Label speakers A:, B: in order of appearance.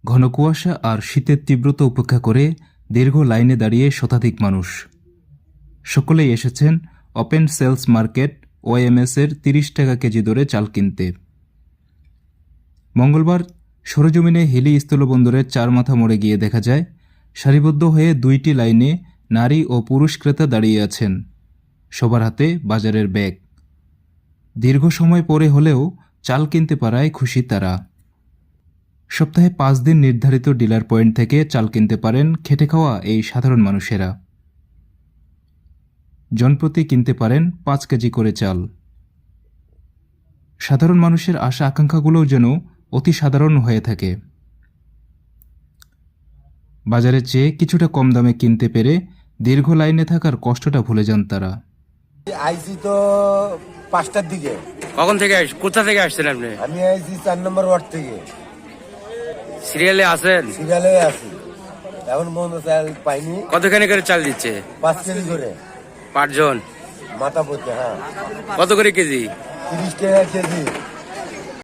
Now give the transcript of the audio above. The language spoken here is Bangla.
A: ঘন কুয়াশা আর শীতের তীব্রতা উপেক্ষা করে দীর্ঘ লাইনে দাঁড়িয়ে শতাধিক মানুষ। সকলেই এসেছেন ওপেন সেলস মার্কেট ওএমএস-এর ৩০ টাকা কেজি দরে চাল কিনতে। মঙ্গলবার সরেজমিনে হিলি স্থলবন্দরের চারমাথা মোড়ে গিয়ে দেখা যায়, সারিবদ্ধ হয়ে ২টি লাইনে নারী ও পুরুষ ক্রেতা দাঁড়িয়ে আছেন, সবার হাতে বাজারের ব্যাগ। দীর্ঘ সময় পরে হলেও চাল কিনতে পারায় খুশি তারা। সপ্তাহে ৫ দিন নির্ধারিত ডিলার পয়েন্ট থেকে চাল কিনতে পারেন খেটে খাওয়া এই সাধারণ মানুষেরা। জনপ্রতি কিনতে পারেন ৫ কেজি করে চাল। সাধারণ মানুষের আশা আকাঙ্ক্ষাগুলোও যেন অতি সাধারণ হয়ে থাকে। বাজারের চেয়ে কিছুটা কম দামে কিনতে পেরে দীর্ঘ লাইনে থাকার কষ্টটা ভুলে যান তারা।
B: আইসি তো 5টার দিকে।
C: কখন থেকে কোথা থেকে আসছেন আপনি?
B: আমি আইসি 4 নম্বর ওয়ার্ড থেকে।
C: সিরিয়ালে আছেন?
B: সিরিয়ালে আছি। এখন পর্যন্ত চাল পাইনি।
C: কতখানি করে চাল দিচ্ছে?
B: 5 কেজি করে।
C: 5 জন
B: মাথা পড়তে, হ্যাঁ।
C: কত করে কেজি?
B: 30 টাকা কেজি।